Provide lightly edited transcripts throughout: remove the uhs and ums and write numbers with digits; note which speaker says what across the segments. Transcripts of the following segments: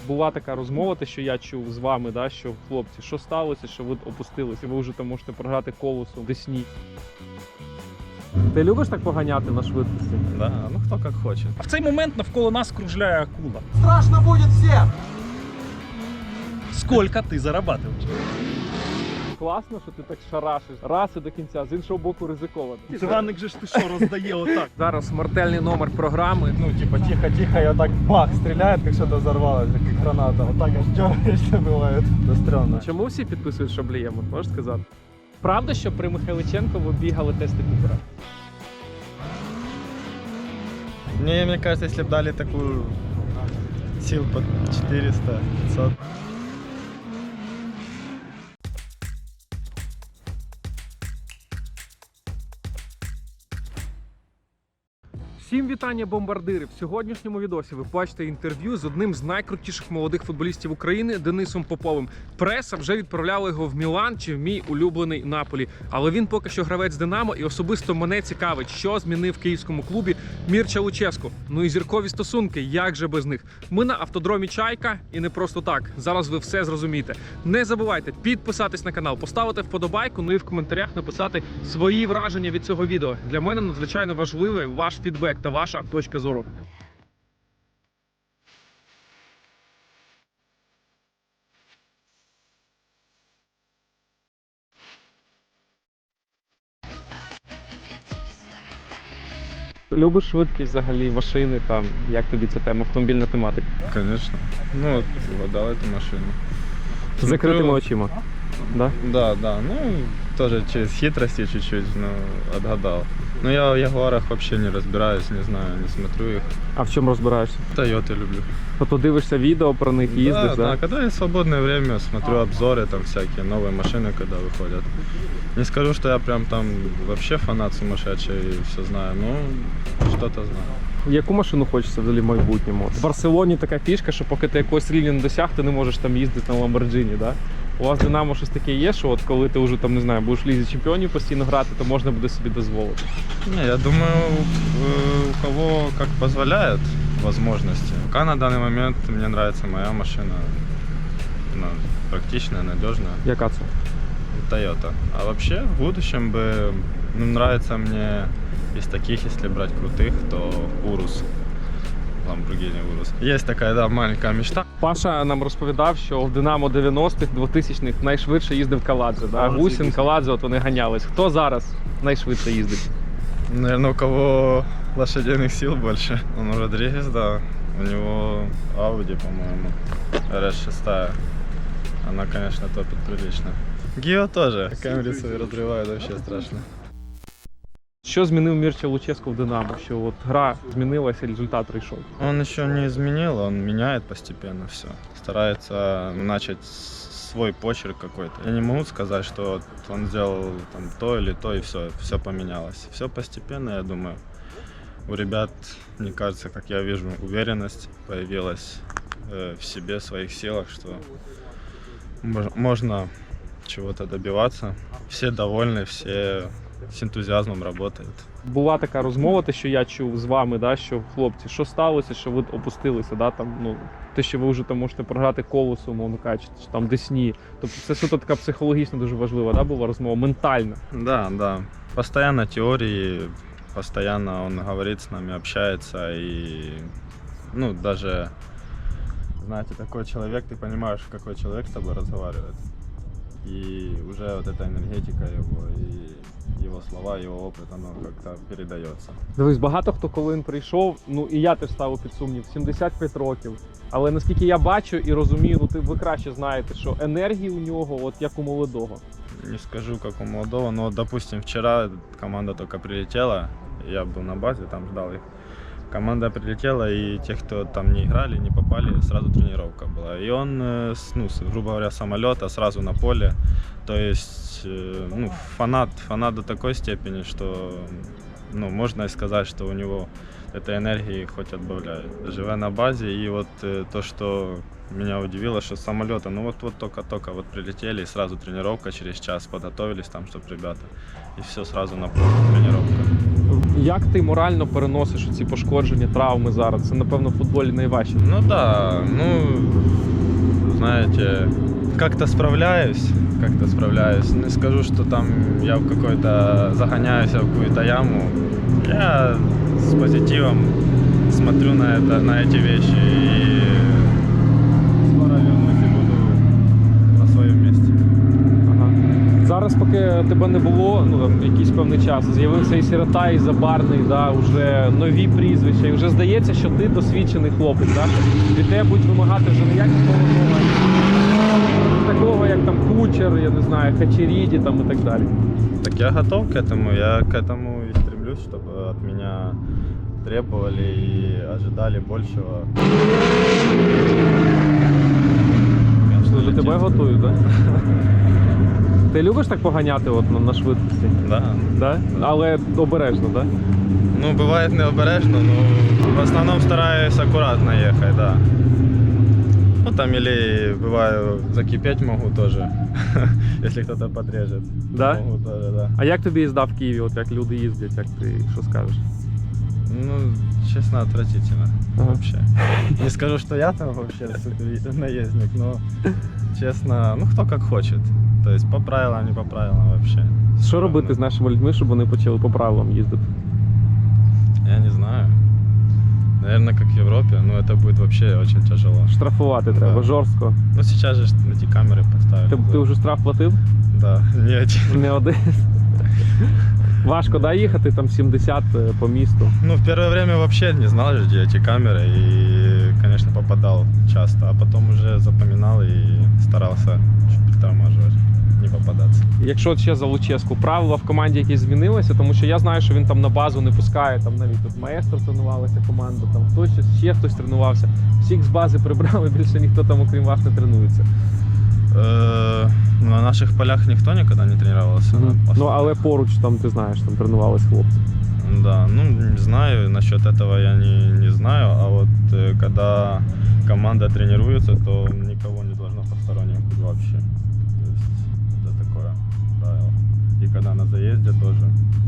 Speaker 1: Була така розмова, те, що я чув з вами, да, що хлопці, що сталося, що ви опустилися, ви вже там можете програти колесо в Десні. Ти любиш так поганяти на швидкості?
Speaker 2: Да, ну хто як хоче.
Speaker 3: А в цей момент навколо нас кружляє акула.
Speaker 4: Страшно будет всем!
Speaker 3: Скільки ти зарабатуєш?
Speaker 1: Класно, що ти так шарашиш. Раз і до кінця, з іншого боку ризиковано.
Speaker 3: Іванник же ж ти що роздає отак.
Speaker 1: Зараз смертельний номер програми.
Speaker 4: Ну, типа, тихо-тихо, и вот так бах, стреляет, как что-то взорвалось, как граната. Вот так аж дергаешься, бывает. Да стрёмно.
Speaker 1: Чому всі підписують Шаблієм, можеш сказати? Правда, що при Михайличенко ви бігали тести Купера?
Speaker 2: Мне кажется, если бы дали такую сил под 400-500.
Speaker 1: Всім вітання, бомбардири! В сьогоднішньому відосі ви бачите інтерв'ю з одним з найкрутіших молодих футболістів України Денисом Поповим. Преса вже відправляла його в Мілан чи в мій улюблений Наполі. Але він поки що гравець Динамо, і особисто мене цікавить, що змінив в київському клубі Мірча Луческу. Ну і зіркові стосунки, як же без них. Ми на автодромі Чайка, і не просто так. Зараз ви все зрозумієте. Не забувайте підписатись на канал, поставити вподобайку, ну і в коментарях написати свої враження від цього відео. Для мене надзвичайно важливий ваш фідбек та ваша точка зору. Любиш швидкість взагалі, машини, там, як тобі ця тема, автомобільна тематика?
Speaker 2: Конечно. Ну, вот, дал эту машину.
Speaker 1: З закритими очима. Да?
Speaker 2: Да, ну, тоже через хитрости чуть-чуть, но отгадал. Но я в Ягуарах вообще не разбираюсь, не знаю, не смотрю их.
Speaker 1: А в чому розбираєшся?
Speaker 2: Тойоты люблю.
Speaker 1: Тобто дивишся відео про них, їздиш,
Speaker 2: да? Когда есть свободное время, смотрю обзоры, там всякие новые машины, когда выходят. Не скажу, что я прям там вообще фанат сумасшедший и все знаю, но что-то знаю.
Speaker 1: Яку машину хочеться взагалі в майбутньому? В Барселоні така фішка, що поки ти якогось рівня не досяг, ти не можеш там їздити на Lamborghini, да? У вас в Динамо щось таке є, що от коли ти вже там, не знаю, будеш в Лізі Чемпіонів постійно грати, то можна буде собі дозволити?
Speaker 2: Не, я думаю, у кого как позволяет возможности. Пока на данный момент мне нравится моя машина. Она практичная, надежная.
Speaker 1: Яка це?
Speaker 2: Toyota. А вообще в будущем бы нравится мне из таких, если брать крутых, то Urus. Lamborghini Urus. Есть такая, да, маленькая мечта.
Speaker 1: Паша нам розповідав, що в Динамо 90-х, 2000-х найшвидше їздив Каладзе. Да? Гусін, Каладзе, от вони ганялись. Хто зараз найшвидше їздить?
Speaker 2: Наверное, у кого лошадиных сил больше. Ну, Родригес, да. У него Audi, по-моему, RS6. Она, конечно, топит прилично. Гио тоже. Камеры свои разрывает, вообще страшно.
Speaker 1: Що змінив Мірча Луческу в Динамо? Що от гра змінилася, результат прийшов?
Speaker 2: Он еще не изменил, он меняет постепенно все. Старается начать свой почерк какой-то. Я не могу сказать, что вот он сделал там то или то, и все поменялось. Все постепенно, я думаю. У ребят, мне кажется, как я вижу, уверенность появилась в себе, в своих силах, что можно чего-то добиваться. Все довольны, все з ентузіазмом працюють.
Speaker 1: Була така розмова, те, що я чув з вами, да, що хлопці, що сталося, що ви опустилися, да, там, ну, те, що ви вже там можете програти колесо, мовно кажучи, чи там Десні. Тобто це суто така психологічно дуже важлива, да, була розмова, ментальна.
Speaker 2: Да. Постоянно теории, постоянно он говорит с нами, общается и, ну, даже, знаете, такой человек, ты понимаешь, какой человек с тобой разговаривает. И уже вот эта энергетика его, и его слова, его опыт, оно как-то передается.
Speaker 1: Дивись, багато хто, коли він прийшов, ну і я теж ставив під сумнів, 75 років. Але наскільки я бачу і розумію, ну ви краще знаєте, що енергії у нього, от як у молодого.
Speaker 2: Не скажу, как у молодого, но, допустим, вчера команда только прилетела, я был на базе, там ждал их. Команда прилетела, и те, кто там не играли, не попали, сразу тренировка была. И он, ну, грубо говоря, с самолета сразу на поле. То есть, ну, фанат до такой степени, что, ну, можно и сказать, что у него этой энергии хоть отбавляет. Живя на базе, и вот то, что меня удивило, что с самолета, ну вот только вот прилетели, и сразу тренировка через час, подготовились там, чтобы ребята, и все сразу на поле тренировка.
Speaker 1: Як ти морально переносиш ці пошкодження, травми зараз? Це, напевно, в футболі найважче.
Speaker 2: Ну да, ну, знаете, как-то справляюсь. Не скажу, что там я в какой-то загоняюсь в какую-то яму. Я с позитивом смотрю на эти вещи и скоро вернусь и буду на своем месте.
Speaker 1: Ага. Зараз, поки тебе не було, ну там якийсь певний час, з'явився і Сирота, і Забарний, да, вже нові прізвища, і вже здається, що ти досвідчений хлопець, да? Від тебе будуть вимагати вже не якісного такого, як там Кучер, я не знаю, Хачеріді там і так далі.
Speaker 2: Так я готов к этому, я к этому и стремлюсь, чтобы от меня требовали и ожидали большего.
Speaker 1: Що для тебе готують, так? Ти любиш так поганяти от на швидкості?
Speaker 2: Да.
Speaker 1: Да? Але обережно, так?
Speaker 2: Ну, бывает необережно, но в основном стараюсь аккуратно ехать, да. Ну, там или бываю закипеть могу тоже, если кто-то подрежет.
Speaker 1: Да?
Speaker 2: Могу тоже, да.
Speaker 1: А як тобі їзда в Києві, от як люди їздять, як ти що скажеш?
Speaker 2: Ну, честно, отвратительно
Speaker 1: Ага.
Speaker 2: вообще. Не скажу, что я там вообще супер наездник, но честно, ну кто как хочет. То есть по правилам, не по правилам вообще.
Speaker 1: Що робити з нашими людьми, щоб вони почали по правилам їздити?
Speaker 2: Я не знаю. Наверное, как в Европе, но это будет вообще очень тяжело.
Speaker 1: Штрафувати треба,
Speaker 2: Да.
Speaker 1: жорстко.
Speaker 2: Ну сейчас же эти камеры поставили.
Speaker 1: Ти вже штраф платив?
Speaker 2: Да, не один.
Speaker 1: Не один. Важко, да, їхати там 70 по місту.
Speaker 2: Ну, в первое время вообще не знал, где эти камеры, и, конечно, попадал часто, а потом уже запоминал и старался чуть притормаживать, не попадаться.
Speaker 1: Якщо ще за Луческу, правила в команді якісь змінилися, тому що я знаю, що він там на базу не пускає, там навіть тут маестро тренувалася команда, там хтось ще хтось тренувався. Всіх з бази прибрали, більше ніхто там, окрім вас, не тренується.
Speaker 2: На наших полях никто никогда не тренировался.
Speaker 1: Ну, але поруч там, ти знаєш, там тренувались хлопці.
Speaker 2: Да, ну не знаю, насчет этого я не знаю, а вот когда команда тренируется, то никого не должно посторонних быть вообще. То есть это такое правило. И когда на заезде тоже.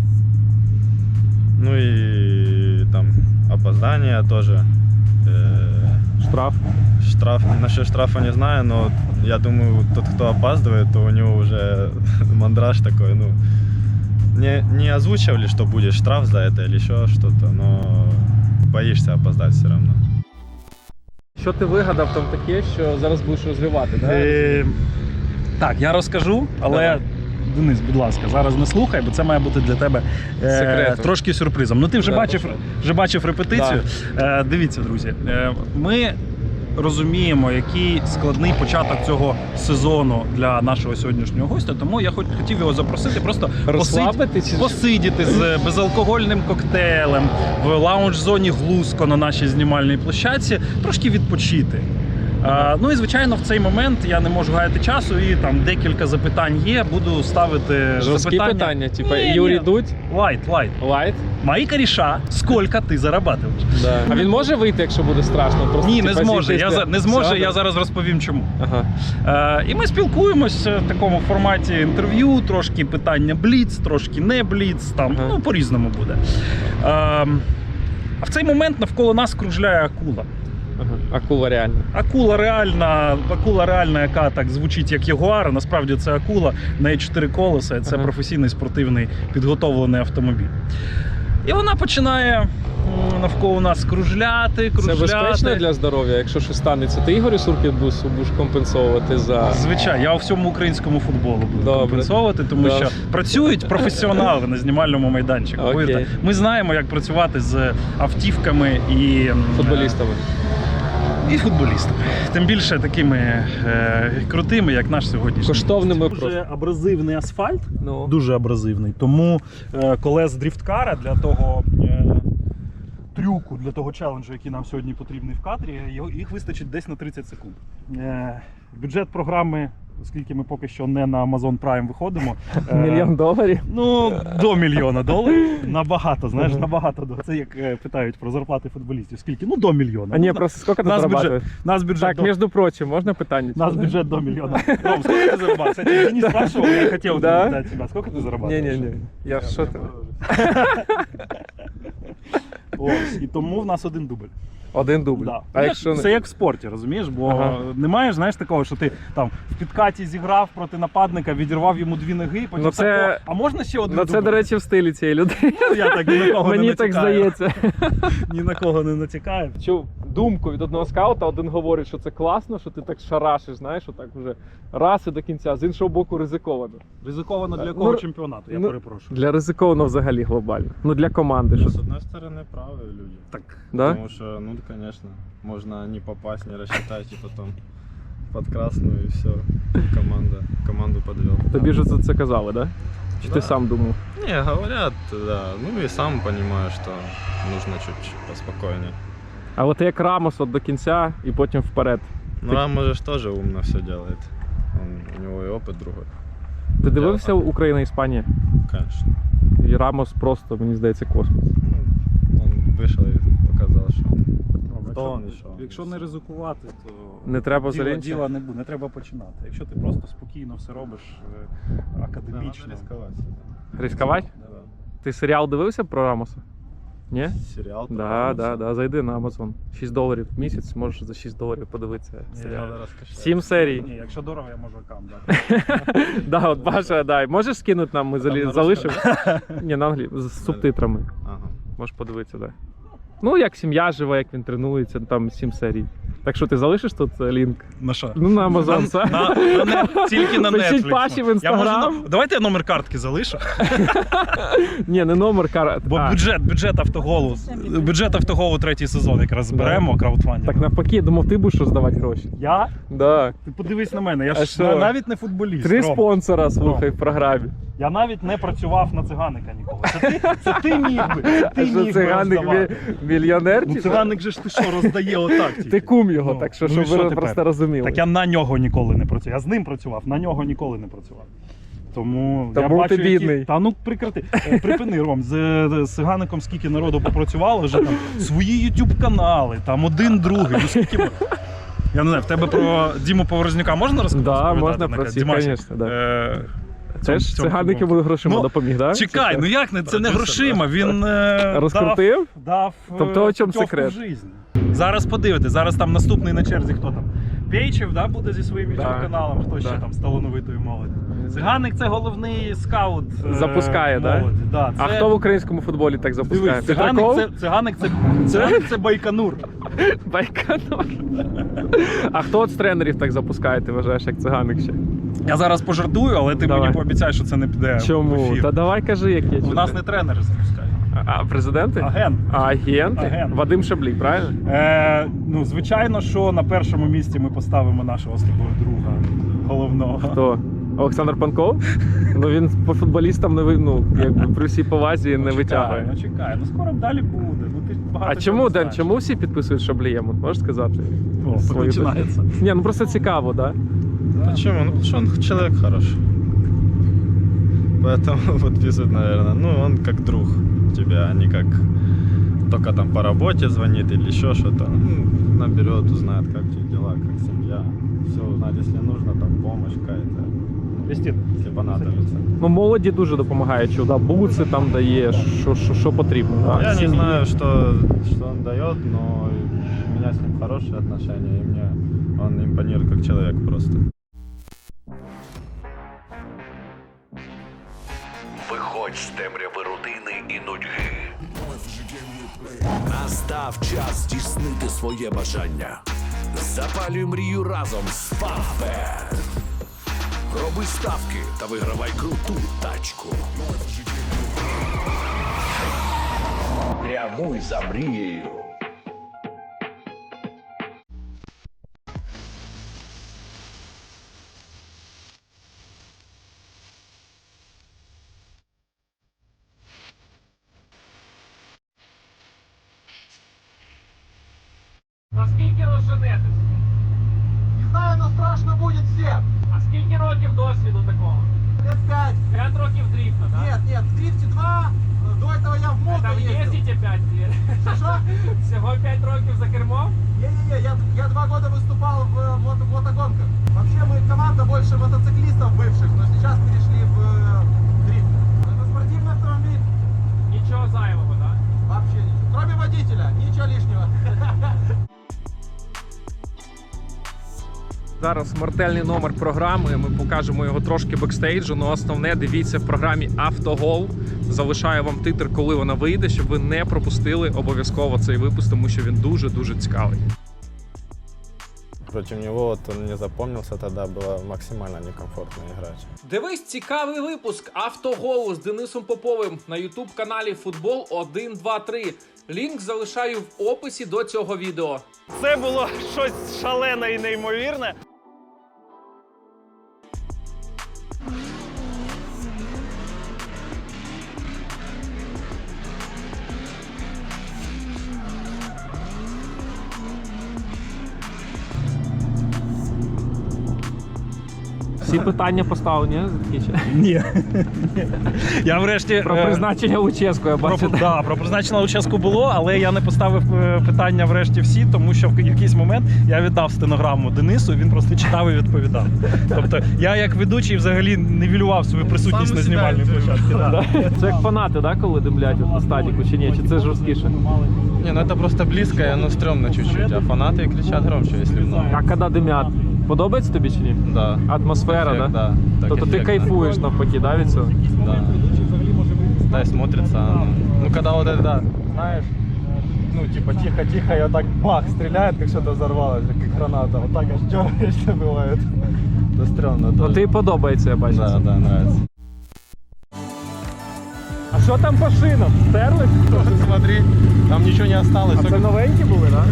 Speaker 2: Ну и там опоздание тоже.
Speaker 1: Штраф.
Speaker 2: Штраф, насчет штрафа не знаю, но я думаю, тот, кто опаздывает, то у него уже мандраж такой, ну, не озвучивали, что будет штраф за это или еще что-то, но боишься опоздать все равно.
Speaker 1: Що ти вигадав там таке, що зараз будеш розривати, да?
Speaker 3: Так, я розкажу, але
Speaker 1: Давай.
Speaker 3: Денис, будь ласка, зараз не слухай, бо це має бути для тебе
Speaker 1: Секретом.
Speaker 3: трошки сюрпризом. Ну ти вже
Speaker 1: Да,
Speaker 3: бачив репетицію. Дивіться, друзі, ми розуміємо, який складний початок цього сезону для нашого сьогоднішнього гостя, тому я хотів його запросити просто
Speaker 1: Розслабити чи
Speaker 3: посидіти з безалкогольним коктейлем в лаунж-зоні Глузко на нашій знімальній площадці, трошки відпочити. Ну і звичайно, в цей момент я не можу гаяти часу, і там декілька запитань є. Буду ставити
Speaker 1: жорсткі питання, типу Юрій Дудь,
Speaker 3: Лайт.
Speaker 1: лайт.
Speaker 3: Мои кореша, сколько ти зарабатываешь?
Speaker 1: Да. А він може вийти, якщо буде страшно? Просто,
Speaker 3: Ні, не
Speaker 1: типа,
Speaker 3: зможе.
Speaker 1: зійтися?
Speaker 3: Не зможе,
Speaker 1: Все,
Speaker 3: я
Speaker 1: да?
Speaker 3: зараз розповім чому.
Speaker 1: Ага.
Speaker 3: І ми спілкуємось в такому форматі інтерв'ю, трошки питання бліц, трошки не бліц, там,
Speaker 1: Ага.
Speaker 3: ну, по-різному буде. А в цей момент навколо нас кружляє акула.
Speaker 1: Ага. Акула реально.
Speaker 3: Акула реальна, яка так звучить як ягуар, а насправді це акула, в неї 4 колеса, і це
Speaker 1: Ага.
Speaker 3: професійний спортивний підготовлений автомобіль. І вона починає навколо нас кружляти.
Speaker 1: Це безпечно для здоров'я, якщо щось станеться. Ти Ігорю Суркітбусу будеш компенсовувати за...
Speaker 3: Звичайно, я у всьому українському футболу буду
Speaker 1: Добре.
Speaker 3: компенсовувати, тому
Speaker 1: Добре.
Speaker 3: що працюють професіонали на знімальному майданчику.
Speaker 1: Окей.
Speaker 3: Повірте. Ми знаємо, як працювати з автівками і
Speaker 1: футболістами.
Speaker 3: І футболістами. Тим більше такими крутими, як наш сьогоднішній.
Speaker 1: Коштовними
Speaker 3: Дуже абразивний асфальт,
Speaker 1: Ну.
Speaker 3: дуже абразивний. Тому колес дріфткара для того трюку, для того челенджу, який нам сьогодні потрібний в кадрі, їх вистачить десь на 30 секунд. Бюджет програми оскільки ми поки що не на Amazon Prime виходимо.
Speaker 1: $1 мільйон?
Speaker 3: Ну, до $1 мільйона. Набагато, знаєш, набагато. Це як питають про зарплати футболістів. Скільки? Ну, до $1 мільйона.
Speaker 1: А ні, просто скільки ти зарабатываешь?
Speaker 3: Нас бюджет
Speaker 1: Так, між прочим, можна питання?
Speaker 3: Нас бюджет до $1 мільйона. Ром, сколько ты зарабатываешь? Кстати, Денис спрашивал, я хотел
Speaker 1: Да?
Speaker 3: задать тебя. Сколько ты зарабатываешь?
Speaker 1: Ні-ні-ні, я що ти?
Speaker 3: Ось, і тому в нас один дубль.
Speaker 1: Один дубль.
Speaker 3: Да.
Speaker 1: А якщо
Speaker 3: Це як в спорті, розумієш? Бо
Speaker 1: Ага.
Speaker 3: немає, знаєш, такого, що ти там в підкаті зіграв проти нападника, відірвав йому 2 ноги, потім
Speaker 1: Ну, це-
Speaker 3: так, а можна ще один
Speaker 1: Ну
Speaker 3: дубль?
Speaker 1: це, до речі, в стилі цієї людини.
Speaker 3: Я так ні на кого
Speaker 1: Мені
Speaker 3: не
Speaker 1: так
Speaker 3: натякаю.
Speaker 1: здається.
Speaker 3: Ні на кого не натякаю.
Speaker 1: Чув думку від одного скаута, один говорить, що це класно, що ти так шарашиш, знаєш, отак вже раз і до кінця, з іншого боку ризиковано.
Speaker 3: Ризиковано для
Speaker 1: Ну,
Speaker 3: якого чемпіонату, я
Speaker 1: ну,
Speaker 3: перепрошую.
Speaker 1: Для ризиковано взагалі глобально. Ну для команди.
Speaker 2: Ну,
Speaker 1: Що...
Speaker 2: с одной стороны, правые люди.
Speaker 3: Так.
Speaker 1: Да?
Speaker 2: Потому что, ну, конечно, можно не попасть, не рассчитать, и потом под красную, и все. Команду подвел.
Speaker 1: Тобі ж це казали, да? Чи ти
Speaker 2: Да.
Speaker 1: сам думав?
Speaker 2: Не, говорят, да. Ну и сам понимаю, что нужно чуть поспокойнее.
Speaker 1: А от як Рамос от до кінця і потім вперед.
Speaker 2: Ну, Рамос же тоже умно все делает. У него и опыт другой,
Speaker 1: Ти дивився Україна-Іспанія?
Speaker 2: конечно.
Speaker 1: І Рамос просто, мені здається, космос.
Speaker 2: Ну, он вышел и показал, что он
Speaker 3: Якщо,
Speaker 2: он ішов.
Speaker 3: якщо не ризикувати, то
Speaker 1: Не треба
Speaker 3: діла,
Speaker 1: зеленця?
Speaker 3: діла не буде, не треба починати. Якщо ти просто спокійно все робиш академічно.
Speaker 2: Надо рисковать.
Speaker 1: Ризикувати?
Speaker 2: Да.
Speaker 1: Ти серіал дивився про Рамоса? Ні?
Speaker 2: Сериал. про
Speaker 1: Да,
Speaker 2: Рамоса.
Speaker 1: да. Зайди на Amazon. $6 в місяць, можеш за $6 подивитися
Speaker 3: Ні,
Speaker 1: серіал.
Speaker 2: Надо раскошелять.
Speaker 1: 7 серій.
Speaker 3: Ні, якщо дорого, я можу аккаунт дати.
Speaker 1: Да, от Паша, дай. Можеш скинути нам, ми
Speaker 3: Там на
Speaker 1: залишимо? Ні, на англійську, з субтитрами.
Speaker 2: Ага.
Speaker 1: Можеш подивитися, так. Да. Ну, як сім'я живе, як він тренується, там 7 серій. Так що ти залишиш тут лінк?
Speaker 3: На що?
Speaker 1: Ну, на Amazon. це.
Speaker 3: Тільки на
Speaker 1: Пишіть
Speaker 3: Netflix.
Speaker 1: Паші в
Speaker 3: Я
Speaker 1: Instagram.
Speaker 3: можу, давайте я номер картки залишу.
Speaker 1: Ні, не номер карат.
Speaker 3: Бо бюджет автоголу. Бюджет автоголу 3-й сезон якраз зберемо, краудфандинг.
Speaker 1: Так навпаки, я думав, ти будеш що здавати гроші.
Speaker 3: Я?
Speaker 1: Да.
Speaker 3: Ти подивись на мене, я
Speaker 1: А
Speaker 3: ж
Speaker 1: що?
Speaker 3: навіть не футболіст.
Speaker 1: 3
Speaker 3: Ром.
Speaker 1: спонсора, слухай, в програмі.
Speaker 3: Я навіть не працював на циганика ніколи. Це ти міг би. Це
Speaker 1: А
Speaker 3: ти
Speaker 1: що
Speaker 3: міг би
Speaker 1: циганик
Speaker 3: роздавати.
Speaker 1: мільйонер?
Speaker 3: Ну
Speaker 1: чи що?
Speaker 3: циганик же ж ти що, роздає отак тільки.
Speaker 1: Ти кум його,
Speaker 3: Ну,
Speaker 1: так що,
Speaker 3: ну і
Speaker 1: щоб
Speaker 3: що
Speaker 1: ви
Speaker 3: тепер?
Speaker 1: просто розуміли.
Speaker 3: Так я на нього ніколи не працював. Я з ним працював, на нього ніколи не працював. Тому я
Speaker 1: Тому
Speaker 3: бачу,
Speaker 1: ти бідний.
Speaker 3: Та ну прекрати. Припини, Ром, з Цигаником скільки народу попрацювало, вже там свої YouTube канали, там один, другий. Ну скільки я не знаю, в тебе про Діму Поворознюка можна розповідати?
Speaker 1: Да, можна про всіх,
Speaker 3: Дімасик,
Speaker 1: конечно, да.
Speaker 3: цьому-
Speaker 1: Теж
Speaker 3: цьому
Speaker 1: циганики
Speaker 3: футболу.
Speaker 1: були грошима,
Speaker 3: Ну,
Speaker 1: допоміг, так?
Speaker 3: Чекай, ну як не, це не грошима, він
Speaker 1: Розкрутив?
Speaker 3: дав
Speaker 1: Тобто, о чому
Speaker 3: путівку
Speaker 1: секрет?
Speaker 3: в жизнь. Зараз подивитись, зараз там наступний на черзі хто там? Пейчев, да, буде зі своїм
Speaker 1: Да.
Speaker 3: YouTube каналом, хто
Speaker 1: Да.
Speaker 3: ще там з талановитої молоді. Циганик це головний скаут
Speaker 1: Запускає, да?
Speaker 3: молоді. Да?
Speaker 1: А
Speaker 3: Це-
Speaker 1: хто в українському футболі так запускає?
Speaker 3: Дивись, циганик це Байконур.
Speaker 1: Байконур. А хто от з тренерів так запускає, ти вважаєш, як циганик ще?
Speaker 3: Я зараз пожартую, але ти
Speaker 1: Давай.
Speaker 3: мені пообіцяй, що це не піде в
Speaker 1: Чому?
Speaker 3: ефір.
Speaker 1: Та давай кажи, як є.
Speaker 3: У нас не тренери запускають.
Speaker 1: А президенти?
Speaker 3: Агент.
Speaker 1: Агенти?
Speaker 3: Агент.
Speaker 1: Вадим Шаблій, правильно?
Speaker 3: Ну, звичайно, що на першому місці ми поставимо нашого з тобою друга головного.
Speaker 1: Хто? Олександр Панков? Ну він по футболістам не якби при всій повазі не витягує.
Speaker 3: Чекай, ну скоро далі буде. Ну ти ж багато
Speaker 1: А
Speaker 3: чого
Speaker 1: чому,
Speaker 3: не
Speaker 1: Ден,
Speaker 3: знаєш.
Speaker 1: чому всі підписують Шаблієм? От можеш сказати?
Speaker 3: О,
Speaker 1: свою
Speaker 3: починається.
Speaker 1: Ні, ну просто цікаво, да?
Speaker 2: Почему? Ну, потому что он человек хороший. Поэтому подписывают, наверное. Ну, он как друг тебе, а не как только там по работе звонит или еще что-то. Ну, наберет, узнает, как у тебя дела, как семья. Все узнать, если нужно, там помощь какая-то,
Speaker 3: Вестін.
Speaker 2: если понадобится.
Speaker 1: Ну молоді дуже допомагає, що да, буци там дає, що потрібно. Да.
Speaker 2: Я не
Speaker 1: Сім'ї.
Speaker 2: знаю, что он дает, но у меня с ним хорошие отношения, и мне он импонирует как человек просто.
Speaker 5: Виходь з темряви рутини і нудьги. Настав час здійснити своє бажання. Запалюй мрію разом з Фанбет. Роби ставки та вигравай круту тачку. Прямуй за мрією.
Speaker 1: Наскільки розженетесь?
Speaker 4: Не знаю, но страшно будет всем.
Speaker 1: А скільки років досвіду такого?
Speaker 4: Лет 5.
Speaker 1: 5 років дріфта, так?
Speaker 4: Нет, нет, в дрифте 2. До этого я в мото
Speaker 1: Там
Speaker 4: ездил.
Speaker 1: їздите 5 лет.
Speaker 4: Что?
Speaker 1: Всього 5 років за кермом?
Speaker 4: Не-не-не, я 2 года выступал в мотогонках. Вообще мы команда больше мотоциклистов бывших, но сейчас перешли в дрифт. Это спортивный автомобиль.
Speaker 1: Нічого зайвого, так?
Speaker 4: Вообще ничего. Кроме водителя, ничего лишнего.
Speaker 1: Зараз смертельний номер програми. Ми покажемо його трошки бекстейджу. але основне дивіться в програмі Автогол. Залишаю вам титр, коли вона вийде, щоб ви не пропустили обов'язково цей випуск, тому що він дуже цікавий.
Speaker 2: Против него вот он не запомнился, тогда было максимально некомфортно играть.
Speaker 1: Дивись цікавий випуск Автоголу з Денисом Поповим на ютуб-каналі Футбол 1-2-3. Лінк залишаю в описі до цього відео.
Speaker 3: Це було щось шалене і неймовірне.
Speaker 1: Всі питання поставлені,
Speaker 3: Ні. Я врешті...
Speaker 1: про призначення Луческу, я бачу.
Speaker 3: Про призначення Луческу було, але я не поставив питання врешті всі, тому що в якийсь момент я віддав стенограму Денису, і він просто читав і відповідав. Тобто я як ведучий взагалі нівелював свою присутність на знімальній площадці. Да.
Speaker 1: Це як фанати, да, коли димлять на стадіку, чи ні? Чи це жорсткіше?
Speaker 2: Не, ну это просто близко, и оно стрёмно чуть-чуть, а фанаты кричат громче, если много.
Speaker 1: А коли димлять, подобається тобі чи ні?
Speaker 2: Да.
Speaker 1: Атмосфера,
Speaker 2: Эффект,
Speaker 1: да?
Speaker 2: так
Speaker 1: Тобто ти
Speaker 2: эффектно.
Speaker 1: кайфуєш навпаки, да, від цього?
Speaker 2: Да. Да, и смотрится оно. Ну, когда вот это, да,
Speaker 4: Знаешь, ну типа тихо-тихо, и вот так бах, стреляет, как что-то взорвалось, как граната. Вот так аж дергаешься бывает. Это стрёмно
Speaker 1: Ну
Speaker 4: тоже.
Speaker 1: ти подобається, я бачу.
Speaker 2: да, да, нравится.
Speaker 1: А що там по шинам? Стерлись?
Speaker 2: Смотри, там ничего не осталось.
Speaker 1: А це новенькі були, так?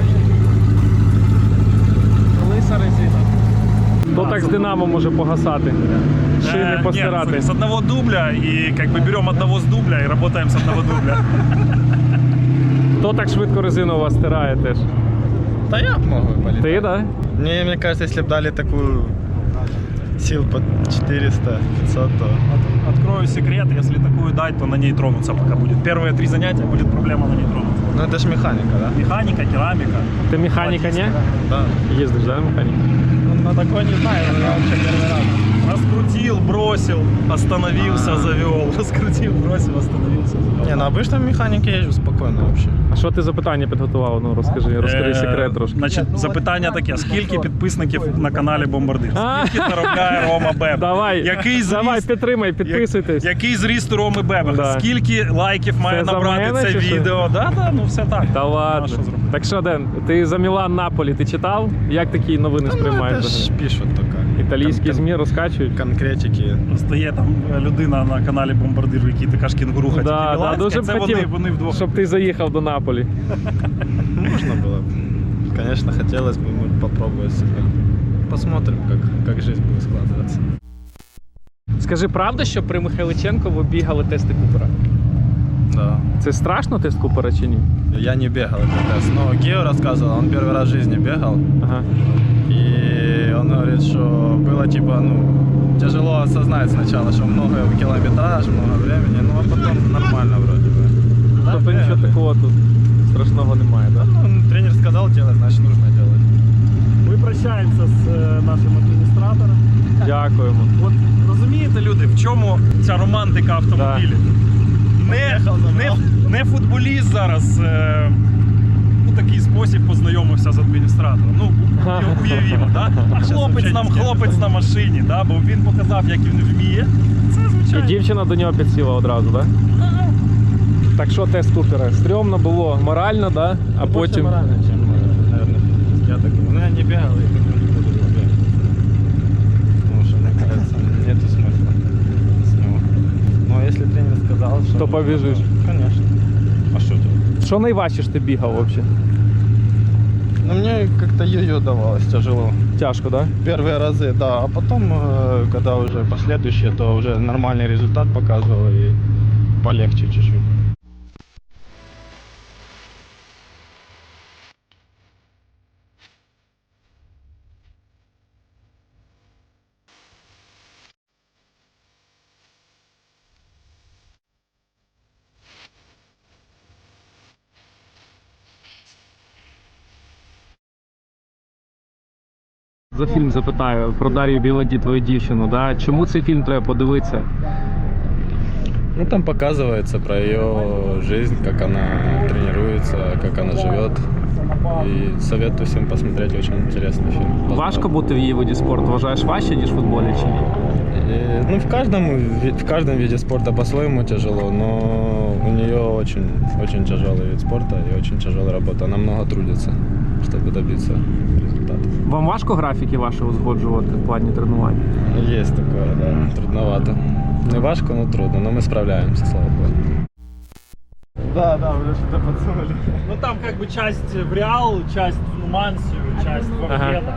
Speaker 3: Лиса резина.
Speaker 1: Хто так з Динамо може погасати? Шини постирати.
Speaker 3: Нет, с одного дубля, и как бы берем одного с дубля и работаем с одного дубля.
Speaker 1: Хто так швидко резину у вас стирає теж?
Speaker 2: Да я могу полетать.
Speaker 1: Ти, да?
Speaker 2: Мне кажется, если бы дали такую сил под 400-500, то...
Speaker 3: Открою секрет, если такую дать, то на ней тронуться пока будет. Первые 3 занятия будет проблема на ней тронуться.
Speaker 2: Ну это ж механика, да?
Speaker 3: Механика, керамика.
Speaker 1: Ти механіка, ні?
Speaker 2: Да.
Speaker 1: Їздиш, да, механіка?
Speaker 3: Ну, на такой не знаю, но я вообще первый раз. Раскрутил, бросил, остановился, завел. Раскрутил, бросил, остановился, завел.
Speaker 2: Не, на обычном механике езжу спокойно вообще.
Speaker 1: А що ти за питання підготував? Ну розкажи секрет трошки.
Speaker 3: Значить, запитання таке: скільки підписників на каналі Бомбардир?
Speaker 1: А.
Speaker 3: Скільки заробляє Рома Бебех?
Speaker 1: Давай,
Speaker 3: Який
Speaker 1: давай,
Speaker 3: зріст,
Speaker 1: підтримай, підписуйтесь.
Speaker 3: який зріст у Роми Бебеха?
Speaker 1: Да.
Speaker 3: Скільки лайків має
Speaker 1: Це за
Speaker 3: набрати
Speaker 1: мене
Speaker 3: це
Speaker 1: чи що?
Speaker 3: відео? Да, ну все так.
Speaker 1: Та
Speaker 3: А
Speaker 1: ладно.
Speaker 3: що зробити?
Speaker 1: Так що, Ден, ти за Мілан Наполі ти читав? Як такі новини
Speaker 2: Ну, это
Speaker 1: сприймаєш?
Speaker 2: ж пишут только.
Speaker 1: Італійські ЗМІ розкачують?
Speaker 2: Конкретики.
Speaker 3: Просто є там людина на каналі Бомбардир, який така ж кінгуру хотів.
Speaker 1: Да, дуже б
Speaker 3: це
Speaker 1: хотів,
Speaker 3: вони вдвох.
Speaker 1: щоб ти заїхав до Наполі.
Speaker 2: Можно было бы. Конечно, хотелось бы, мы попробуем себя. Посмотрим, как жизнь будет складываться.
Speaker 1: Скажи, правда, що при Михайличенко ви бігали тести Купера?
Speaker 2: Да.
Speaker 1: Це страшно тест Купера чи ні?
Speaker 2: Я не бегал этот тест, но Гео рассказывал, он первый раз в жизни бегал.
Speaker 1: Ага.
Speaker 2: И он говорит, что было типа, тяжело осознать сначала, что много километраж, много времени, а потом нормально вроде бы.
Speaker 1: Тобто нічого такого тут страшного немає, так?
Speaker 2: Ну, тренер сказал делать, значит нужно делать.
Speaker 3: Ми прощаємося з нашим адміністратором.
Speaker 1: Дякуємо.
Speaker 3: От розумієте, люди, в чому ця романтика автомобілів? Не футболіст зараз у такий спосіб познайомився з адміністратором. Ну, уявімо, да? А хлопець на машині, да? Бо він показав, як він вміє. Це
Speaker 1: І
Speaker 3: звичайно.
Speaker 1: дівчина до нього підсіла одразу, так? Так що тест Купера? Стрьомно було морально, да? А потім.
Speaker 2: Морально, чем, наверное, физически. Я так думаю. Ну, я не бегал и как бы не буду бегать. Потому что, мне кажется, нету смысла с него. Но если тренер сказал, что...
Speaker 1: То побежишь.
Speaker 2: Конечно. А что делать?
Speaker 1: Що найважче ж ти бігав взагалі?
Speaker 2: Ну, мне как-то йо-йо давалось тяжело.
Speaker 1: Тяжко, так? Да?
Speaker 2: Первые разы, да. А потом, когда уже последующие, то уже нормальный результат показывал и полегче чуть-чуть.
Speaker 1: за фільм запитаю про Дар'ю Біладі, твою дівчину. Да? Чому цей фільм треба подивитися?
Speaker 2: Ну, там показывается про ее жизнь, как она тренируется, как она живет. И советую всем посмотреть, очень интересный фильм.
Speaker 1: Важко бути в її виді спорту? Вважаєш важче, ніж в футболі чи ні?
Speaker 2: Ну, в каждом виде спорта по-своему тяжело, но у нее очень тяжелый вид спорта и очень тяжелая работа. Она много трудится, чтобы добиться результата.
Speaker 1: Вам важко графіки ваші узгоджувати в плані тренувань?
Speaker 2: Есть такое, да, трудновато. Не важко, но трудно, но мы справляемся, слава богу. Да, уже что-то подсунули.
Speaker 3: Ну там как бы часть в Реал, часть в Нумансию, часть в Аркеда.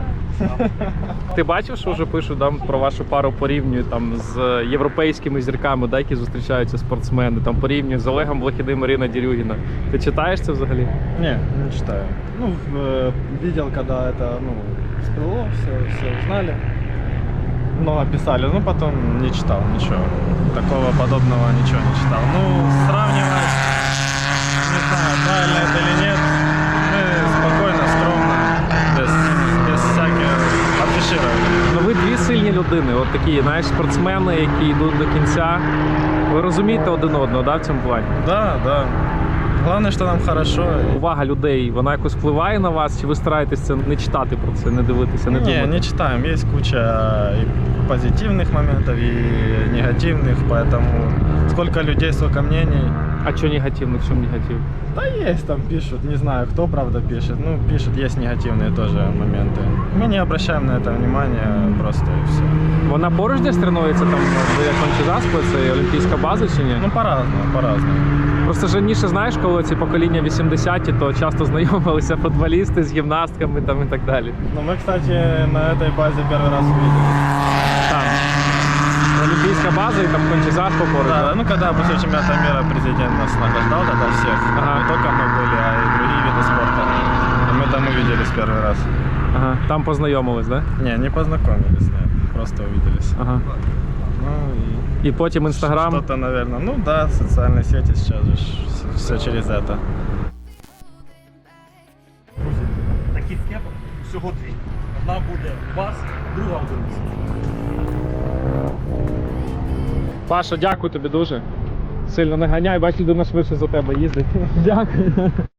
Speaker 1: Ти бачив, що вже пишуть там про вашу пару порівнюють там з європейськими зірками, да, які зустрічаються спортсмени, там порівнюють з Олегом Блохідним, Ірина Дерюгіна. Ти читаєш це взагалі?
Speaker 2: Не читаю.
Speaker 6: Ну, видел, когда это, всплыло, все узнали.
Speaker 2: Много писали, но потом не читал ничего. Такого подобного ничего не читал. Ну, сравнивать, не знаю, правильно это или нет, мы спокойно, скромно, без всяких афиширования.
Speaker 1: Ну ви дві сильні людини, от такі, знаєш, спортсмени, які йдуть до кінця. Ви розумієте один одного, да, в цьому плані?
Speaker 2: Да. Главное, что нам хорошо.
Speaker 1: Увага людей, вона якось впливає на вас, чи ви стараєтесь це не читати про це, не дивитися, не думати?
Speaker 2: Не читаем. Есть куча и позитивных моментов, и негативных, поэтому сколько людей, столько мнений.
Speaker 1: А що негативно, в чому негатив?
Speaker 2: Да есть, там пишут, не знаю, кто правда пишет. Ну, пишут, есть негативные тоже моменты. Мы не обращаем на это внимания, просто и все.
Speaker 1: Вона поруч десь тренується там, де Кончі-Заспи, це олімпійська база чи ні?
Speaker 2: Ну, по-разному.
Speaker 1: Просто ж раніше, знаєш, коли ці покоління 80-ті, то часто знайомилися футболісти з гімнастками там і так далі.
Speaker 2: Ну, мы, кстати, на этой базе первый раз увидели.
Speaker 1: Там. Олімпійська база і там Кончі-Заспи поруч.
Speaker 2: Да, ну, когда после чемпионата мира президент нас награждал тогда всех,
Speaker 1: Ага.
Speaker 2: не только мы были, а и другие виды спорта. И мы там увиделись первый раз.
Speaker 1: Ага. Там познайомились, да?
Speaker 2: Не познакомились, нет, просто увиделись.
Speaker 1: Ага.
Speaker 2: Ну, и
Speaker 1: І потім Інстаграм.
Speaker 2: что-то, наверное, ну да, социальные сети сейчас же все через это.
Speaker 3: Таких кепок всього дві. Одна буде у вас, друга у Дениса.
Speaker 1: Паша, дякую тобі дуже. Сильно не ганяй, бач, людина швидше за тебе їздить. Дякую.